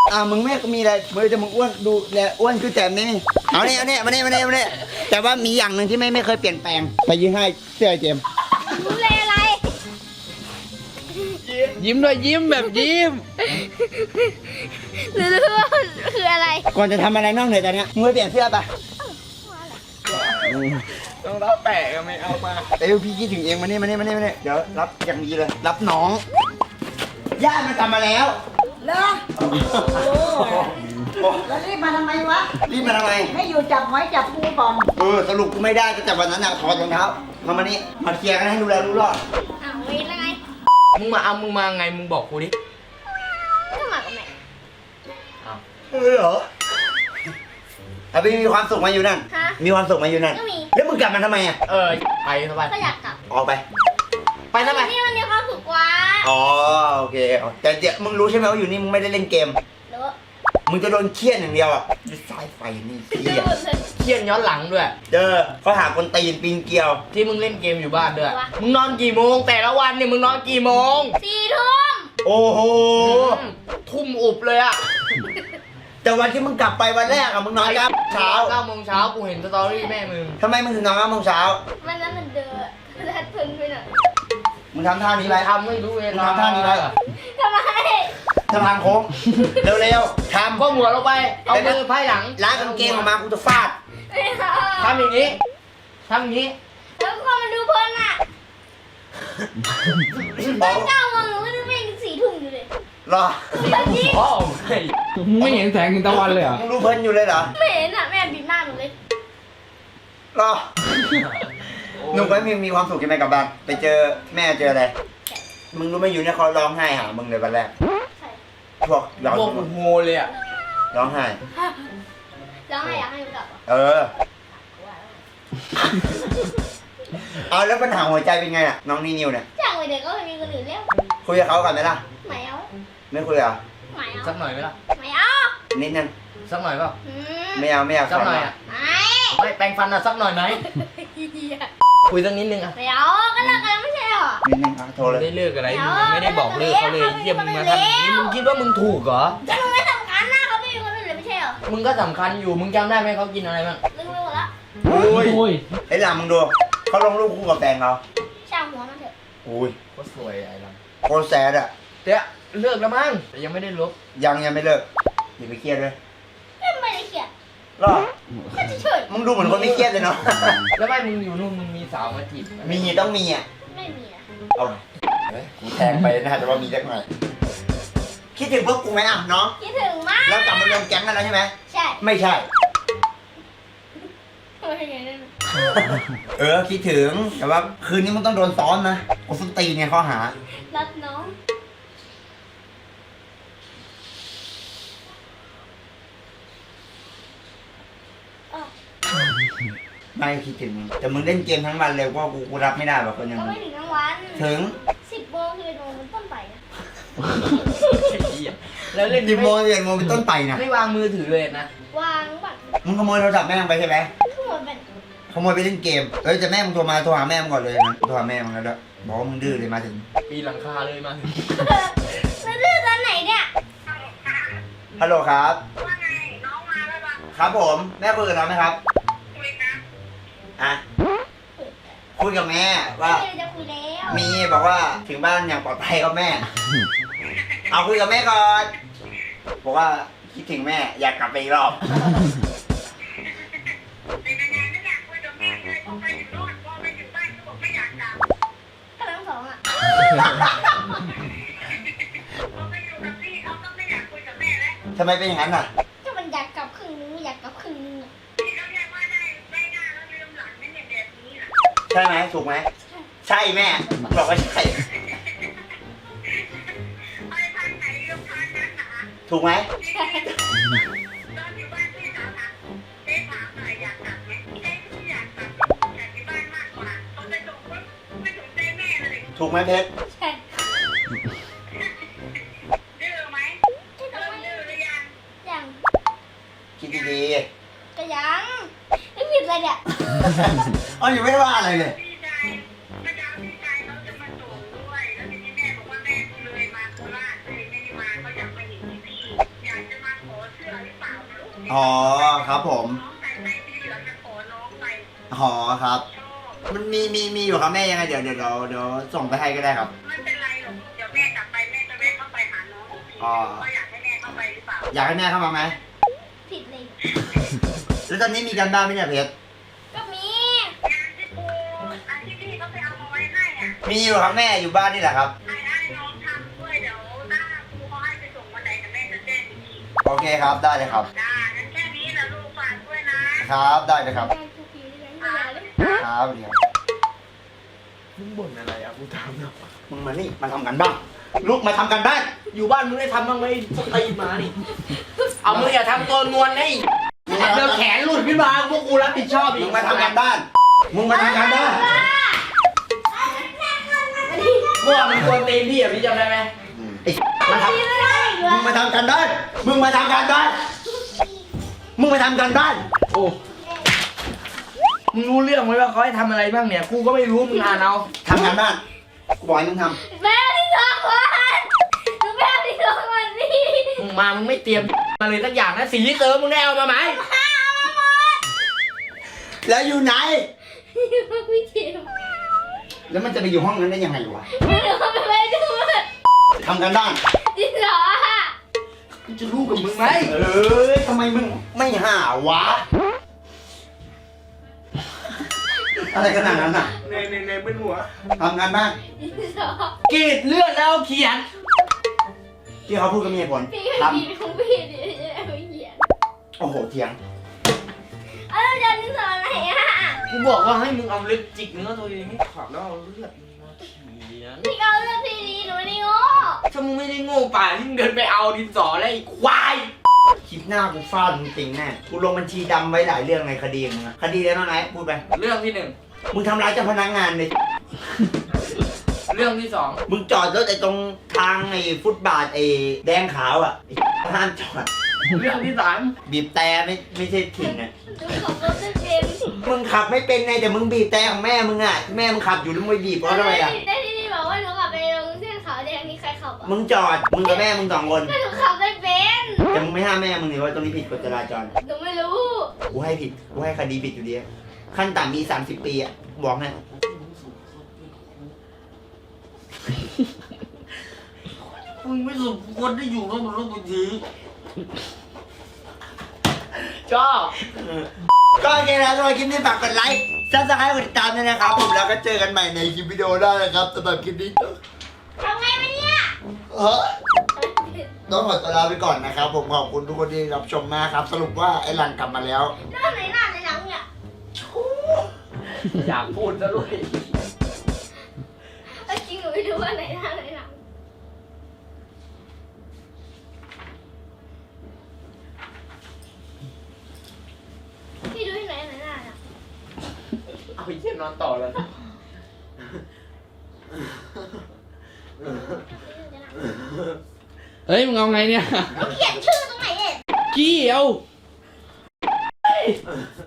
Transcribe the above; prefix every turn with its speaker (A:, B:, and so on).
A: มึงไม่มีอะไรมึงจะมึงอ้วนดูแลอ้วนคือแจมนี่เอาเนี่ยมาเนี่ยแต่ว่ามีอย่างหนึ่งที่ไม่เคยเปลี่ยนแปลงไปยืนให้เสื้อเจม
B: ดูแลอะไร
C: ยิ้มด้วยยิ้มแบบยิ้ม
B: หรือว่าคืออะไร
A: ก่อนจะทำอะไรนอกเหนือจากนี้มึงไปเปลี่ยนเสื้อไป
C: ต้องรับแปะก็ไม่เอามา
A: พี่คิดถึงเองมาเนี่ยเดี๋ยวรับอย่างดีเลยรับน้องญาติมันทำมาแล้ว
D: เหรอแล้วรีบมาทำไมวะ
A: รีบมาทำไม
D: ให้อยู่จับหอยจับปูก่อน
A: สรุปกูไม่ได้ตั้งแต่วันนั้นถอดรองเท้ามานี่มาเคลียร์กันให้ดูแลรู้รอด
B: อ้าวเวรแล้วไง
C: มึงมาไงมึงบอกกูดิ
B: ก็มากับแม่
A: เหรอเอาไปมีความสุขมาอยู่นั่น
B: ฮะ
A: มีความสุขมาอยู่นั่น
B: ก็มี
A: แล้วมึงกลับมาทำไมอ่ะ
C: ไปสบาย
B: ก็อยากกลับ
A: ออกไป
C: ไปทำไม
B: นี่มันมีความสุขกว่า
A: อ๋อโอเคแต่เดี๋ยวมึงรู้ใช่ไหมว่าอยู่นี่มึงไม่ได้เล่นเกม
B: หรือ
A: มึงจะโดนเครียดอย่างเดียวอ่ะด้วยสายไฟนี่เครียด
C: เครียดย้อนหลังด้วย
A: เขาหาคนตีนปีนเกลียว
C: ที่มึงเล่นเกมอยู่บ้านด้วย มึงนอนกี่โมงแต่ละวันเนี่ยมึงนอนกี่โมง
B: 4 ทุ่ม
A: โอ้โห
C: ทุ่มอุบเลยอะ
A: แต่วันที่มึงกลับไปวันแรกอะมึงนอน9 โมงเช้า
C: 9 โมงเช้ากูเห็นสตอรี่แม่มึง
A: ทำไมมึงถึงนอน9 โมงเช้า
B: มันนั้นมันเดินแล้วทึนไปหน่อย
A: มึงทำท่านี้ไป
C: ทำไม่รู้เว
A: มึง
C: ลา
A: ทำท่านี้ไป
B: ทำไม
A: สะพานโค้งเร็วๆทำ
C: ก็หัวลงไป เอามือไพ่หลัง
A: ล้างกางเกงออกมากูจะฟาด
B: ไม่เอา
C: ทำอย่างนี้ทำอย่างนี้
B: แล้วก็มันดูเพลินอ่ะ
A: บ
B: ต
A: อ
B: อก น9 โมงหนูก็ดูไม่ถึง4 ทุ่มอยู่เลย
A: รอ
B: แบบนี้
C: อ๋อไม่เห็นแสงตะวันเลยเหรอ
A: มึงดูเพลินอยู่เลยเหรอ
B: ไม่เห็นอ่ะแม่บิดหน้าหนูเลย
A: รอหนุ่มก็มีความสุขใช่ไหมกับบ้านไปเจอแม่เจออะไรมึงรู้ไหมอยู่เนี่ยเขาร้องไห้หามึงเลยวันแรก
B: ใช่
A: พวกเรา
C: พวกกูโฮเลยอะ
A: ร้องไห้
B: แล้วให้อยากให้หนูกลับเหรอ
A: เอาแล้วปัญหาหัวใจเป็นไงอ่ะน้องนิวเนี่ย
B: จากวัยเด็กก็ไม่มีคนอื่นแล้ว
A: คุยกับเขาก่อนไหมล่ะ
B: ไม่เอา
A: ไม่คุยเหรอ
B: ไม่เอา
C: สักหน่อยไหมล่ะ
B: ไม่เอา
A: นิดนึง
C: สักหน่อยเปล่า
B: อืม
A: ไม่เอา
C: สักหน่อยอะ
B: ไม่
C: ไม่แปรงฟันอะสักหน่อยไหมคุยสักนิดนึงอะ
B: ไม่เอาก็เลิกกันแล้วไม่ใช่เหรอ
A: นิดนึงโทรเลย
C: ได้เลิกอะไรมึงไม่ได้บอกเลิกเขาเลยเยี่ยมมึงมาทำอย่างนี้มึงคิดว่ามึงถูกเหรอ
B: ก็หนูไม่สำคัญนะเขาไม่มีคนอื่นเลยไม่ใช่เหรอ
C: มึงก็สำคัญอยู่มึงจำได้ไหมเขากินอะไรบ้าง
B: ลืมไปหมดละ
A: โอ้ยไอ้หลามึงดูเขาลงรูปคู่กับแฟนเขา
B: ช่างหัวมันเถอะ
A: โอ้ย
C: ก็สวยไอ้ล
A: โคตรแซดอ่ะ
C: ำเดี๋ยวเลิกแล้วมั้งแต่ยังไม่ได้ลบ
A: ยังไม่เลิกอย่าไปเครียดเลย
B: ไม่ได้เขียน
A: รอ
B: ก็เฉย
A: มึงดูเหมือนคนไม่เครียดเลยเนาะ
C: แล้วไม่มึงอยู่นู่นมึงมีสาวมาจีบไหม
A: มีต้องมีอ่ะ
B: ๆไม่มีนะ
A: เอาเฮ้ยกูแทงไปนะแต่ว่ามีสักหน่อยคิดถึงพวกกูไหมอ่ะน้อง
B: คิดถึงมาก
A: แล้วกลับมารวมแก๊งกันแล้วใช่ไหม
B: ใช่
A: ไม่ใช่
B: ไม่ใช่นั่น
A: คิดถึงแต่ว่าคืนนี้มึงต้องโดนซ้อมนะกูส้นตีนเนี่ยข้อหา
B: รักน้อง
A: ไม่คิดถึงแต่มึงเล่นเกมทั้งวันเลยว่ากูรับไม่ได้แบบคนอย่าง
B: ก็
A: มึ
B: ไม่
A: ง
B: ถึงทั้งวัน
A: ถึง
B: 10 โมงคือโมงเป็นต้นไปนะ
C: แล้วเล่น
A: 10 โมง11 โมงเป็นต้นไปนะ
C: ไม่วางมือถือเลยนะ
B: วางบัตร
A: มึงขโมยโทรศัพท์แม่มึงไปใช่ไหม
B: ทั้งหมดเป็น
A: ขโมยไปเล่นเกมแต่แม่มึงโทรหาแม่มึงก่อนเลยนะโทรหาแม่มึงแล้วด้วยบอกว่ามึงดื้อเลยมาถึง
C: ปีนหลังคาเลยมาถึง
B: แล้วดื้อตอนไหนเนี่ย
A: ฮัลโหลครับ
D: ว่าไงน้องมาแล้วปะ
A: ครับผมแม่คุยกับน้องไหมครับ
D: คุยนะ
A: อ่ะคุยกับแม่ว่า
B: ไม่ได้จะคุยแล้ว
A: มีบอกว่าถึงบ้านอย่างปลอดภัยครับแม่ เอาคุยกับแม่ก่อน บอกว่าคิดถึงแม่อยากกลับไปอีกรอบ
D: เป็นยังไงไม่อยากคุยกับแม่เลยพอไปถึงโน่นพอไปถึงบ้านก็บอกไม่อยากกลับ
B: ก็ทั้งสองอ่ะ
D: พอไปอยู่กับพี่เขาก็ไม่อยากคุยกับแม่แล้ว
A: ทำไมเป็นอย่างนั้นอ่ะ
B: ก็มันอยากกลับครึ่งนึงไม่อยากกลับครึ่งนึงอะ
D: ที่เขาเรียกว่าได้หน้าแล้วลืมหลังนั่นเนี่ยแบบนี้น่ะ
A: ใช่ไหมถูกไหมใช่แม่บอกว่าใช่
D: ไปทางไหนลืมทางนั้นนะ
A: ถูกไหม
B: ใช่
D: ตอนอยู่บ้านพี่สาวถามเจ๊ถามหน่อยอยากกลับไหมเจ๊ไม่อยากกลับอยากที่บ้านมากกว่าพอไปส่งปุ๊บไม่สนใจแม่เลย
A: ถูกไหมเพชร
B: ใช่
D: ดื้อไหมเริ่มดื้อหรือยัง
B: ยัง
A: คิดดี
B: ก็ยังไม่ผิดเลยเนี่ย
A: ๆอ๋ออยู่ไม่ได้ว่าอะไรเลย
D: พี่ชายเมื่อเช้าพี่ชายเขาจะมาส่งด้วยแล้วทีนี้แม่บอกว่าแม่เลยมาโคราชเลยไม่ได้มาเขาอยากมาเห็นพี่อยากจะมา
A: อ๋อครับผม
D: น้องใส่ไปสีเหลืองจะขอน้องไป
A: อ๋อครับ
D: ชอบ
A: มันมีอยู่ครับแม่ยังไงเดี๋ยวส่งไปให้ก็ได้ครับ
D: ไม่เป็นไรหรอกเดี๋ยวแม่กลับไปแม่จะแวะเข้าไปหาน้องอีกที
A: อ๋อ
D: ว่าอยากให้แม่เข้าไปหรือเปล่า
A: อยากให้แม่เข้ามาไหม
B: ผิดเลย
A: แล้วตอนนี้มีการบ้านไหมเนี่ยเพชร
B: ก็มี
D: งานที่ครูอาที่พี่เขาไปเอามาไว้ให้อ่ะ
A: มีอยู่ครับแม่อยู่บ้านนี่แหละครับ
D: ให้น้องทำด้วยเดี๋ยวถ้าครูเขาให้ไปส่งวันไหนแต่แม่จะแจ้งอีกที
A: โอเคครับได้เลยครับ
D: จ้างั้นแค่นี้นะลูกฝากด้วยนะครับ
A: ได้เลยครับ
B: ได้ทุกทีเลย
D: อ่า
B: เลย
A: ครับเดี๋ยว
C: มึงบ่นอะไรอ่ะกูถามหน่อย
A: มึงมานี่มาทำกันบ้างลุกมาทำกันบ้าน
C: อยู่บ้านมึงได้ทำบ้างไหมพวกตีนมานี่เอามึงอย่าทำตัวนวลให้เดี๋ยวแขนหลุดขึ้นมาพวกกูรับผิดชอบอี
A: มึ
C: ก
A: งมาทำกันบ้านมึงมาทำกันบ้าน
C: เมื่อวานมึงกวนตีนพี่อ่ะพี่จำได้ไหม
A: ไอ้มาทำมึงมาทำกันบ้านมึงมาทำกันบ้านมึงมาทำกันบ้าน
C: โอ้มึงรู้เรื่องไหมว่าเขาให้ทำอะไรบ้างเนี่ยกูก็ไม่รู้มึงอ่านเอา
A: ทำกันบ้านกูบอกให้มึงท
B: แม่ที่สองวันหนูแม่ที่สองวันนี่
C: มึงมามึงไม่เตรียมมาเลยสักอย่างนะสีเติมมึงได้เอามาไหม
A: ำแล้วอยู่ไหน
B: พี่เจียว
A: แล้วมันจะไปอยู่ห้องนั้นได้ยังไงวะ
B: ไม่รู้ว่าไปดู
A: ทำกันบ้าน
B: ที่สองอะ
C: กูจะรู้กับมึงไหม
A: ทำไมมึงไม่หาวะ อะไรขนาดนั้นอ่ะ
C: ในเป็นหัว
A: ทำงานบ้าน
B: ที่สอง
C: กรีดเลือดแล้วเขียน
A: ที่เขาพูดก็มีเหตุผล
B: พี่
A: ค
B: ก็
A: รับ
B: ดีของพี่เดี๋ยวจะไปเขียน
A: โอ้โหเถียง
B: เอาแล้วจะที่สองไหนอะ
C: กูบอกว่าให้มึงเอาเล็บจิกเนื้อตัวเองให้ขาดแล้วเอาเลือดมึงมาเขียน
B: พี่เอาเรื่องที่ดีหนูนี่โง่
C: ถ้ามึงไม่ได้โง่ป่าที่มึงเดินไปเอาดินสอแล้วไอ้ควาย
A: คลิปหน้ากูฟาดมึงจริงแน่ กูลงบัญชีดำไว้หลายเรื่องในคดีมึงอะคดีอะไรบ้างไหนพูดไป
C: เรื่องที่หนึ่ง
A: มึงทำร้ายเจ้าพนักงานเลย
C: เรื่องที่สอง
A: มึงจอดรถไอ้ตรงทางไอ้ฟุตบาทไอ้แดงขาวอ่ะไอ้ห้ามจอด
C: เรื่องที่สาม
A: บีบแต่ไม่ใช่ถิ่นอ่ะ
B: หนูขับรถไม่เป็น
A: มึงขับไม่เป็นไงแต่มึงบีบแต่ของแม่มึงอ่ะ แม่มึงขับอยู่แล้วมึงไปบีบเพราะอะไรอ่ะ
B: ได้ที่นี่บอกว่าหนูขับไปลงเส้นขาวแดงนี่ใครขับอ่ะ
A: มึงจอด มึงกับแม่มึงสองคน
B: ก็หนูขับไม่เป็น
A: แต่มึงไม่ห้ามแม่มึงเลยว่าตรงนี้ผิดกฎจราจร
B: หนูไม่รู้
A: กูให้ผิด กูให้คดีผิดอยู่ดี ขั้นต่ำมี30 ปีอ่ะ บอกให้
C: มึงไม่สมควรได้อยู่กับบนรถบัญชีชอบ
A: ก็โอเคนะสำหรับคลิปนี้ฝากกดไลค์ซับสไครต์กดติดตามด้วยนะครับ ผมแล้วก็เจอกันใหม่ในคลิปวิดีโอได้นะครับสำหรับคลิปนี้
B: ทำไงวะเนี่ย
A: ต้องขอตัวลาไปก่อนนะครับ ผมขอบคุณทุกคนที่รับชมมากครับ สรุปว่าไอ้หลังกลับมาแล้ว
B: เรื่องไหนหน้าในหนังเนี่ย
C: อยากพูดซะด้วย
B: จริงหนูไม่รู้ว่าไหนหน้าในหนังพี่ดูที่ไหนหน้าเนี่ย
C: เอาไอ้เหี้ยนอนต่อเลย เฮ้ยมึงเอาไงเนี่ย
B: เขียนชื่อตรงไหนเนี่ย
C: กี้เอา